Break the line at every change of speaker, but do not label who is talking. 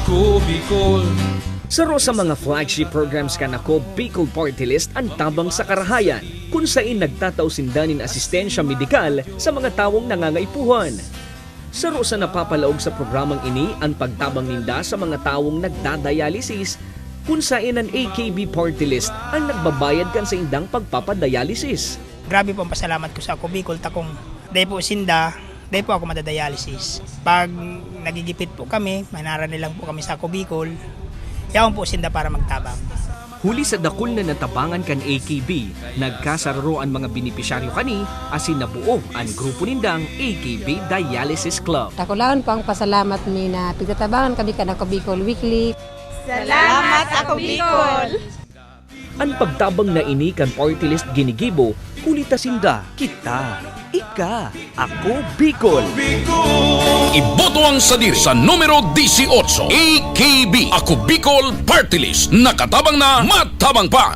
Ako Bicol.
Saro sa mga flagship programs kanako Bicol Party List ang tabang sa karahayan kung saan nagtatausindanin asistensya medikal sa mga tawong nangangaipuhan. Saro sa napapalaog sa programang ini ang pagtabang ninda sa mga tawong nagdadialysis kung saan ang AKB Party List ang nagbabayad kan sa indang pagpapadialysis.
Grabe po ang pasalamat ko sa ako Bicol takong dahil po sinda, dahil po ako madadialysis. Pag nagigipit po kami, manara nilang po kami sa ako Bicol, yaon po sinda para magtabang.
Huli sa dakol na natabangan kan AKB, nagkasararo ang mga benepisyaryo kani asin nabuo ang grupo nindang AKB Dialysis Club.
Takulaan po ang pasalamat ni na pigtatabangan kami ka ako Bicol Weekly.
Salamat ako Bicol!
Ang pagtabang na ini kan party list ginigibo, kulitasinda, kita, ika, ako Bicol.
Iboto ang sadir sa numero 18, AKB, Ako Bicol Party List. Nakatabang na, matabang pa.